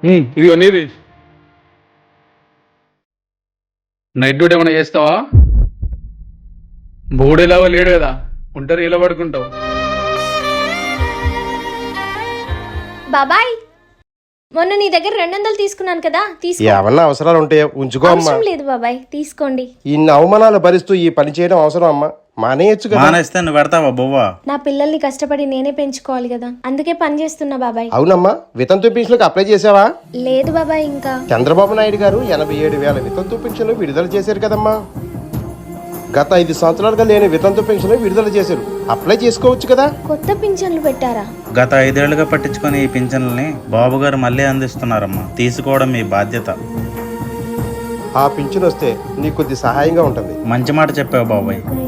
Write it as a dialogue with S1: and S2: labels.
S1: ఇదిగో నీది. Night duty ఏమైనా చేస్తావా? బోడేలాగా లేడు కదా, ఒంటరి ఇలా పడుకుంటావు.
S2: బాబాయ్, మొన్న నీ దగ్గర 200 తీసుకున్నాను కదా, తీసుకో.
S3: ఏమన్నా అవసరాలు ఉంటాయో ఉంచుకో అమ్మా.
S2: అవసరం లేదు బాబాయ్, తీసుకోండి.
S3: ఇన్ని అవమానాలు భరిస్తూ ఈ పని చేయడం అవసరం అమ్మా? మానేయచ్చు కదా.
S4: మానేస్తే నువ్వు పెడతావా బొవ్వా?
S2: నా పిల్లల్ని కష్టపడి నేనే పెంచుకోవాలి కదా, అందుకే పని చేస్తున్నా బాబాయ్.
S3: అవునమ్మా, వితంతు పెన్షన్లకు అప్లై చేసావా?
S2: లేదు బాబాయ్, ఇంకా.
S3: చంద్రబాబు నాయుడు గారు 87,000 వితంతు పెన్షన్లు విడుదల చేశారు కదమ్మా. గత 5 సంవత్సరాలుగా లేని వితంతు పెన్షన్లు విడుదల చేశారు. అప్లై చేసుకోవచ్చు కదా.
S2: కొత్త పింఛన్లు పెట్టారా?
S4: గత 5 ఏళ్లుగా పట్టించుకొని ఈ పింఛన్లని బాబు గారు మళ్ళీ అందిస్తున్నారమ్మా. తీసుకోవడం మీ బాధ్యత.
S3: ఆ పింఛన్ వస్తే నీకు కొద్ది సహాయంగా ఉంటుంది.
S4: మంచి మాట చెప్పావు బాబాయ్.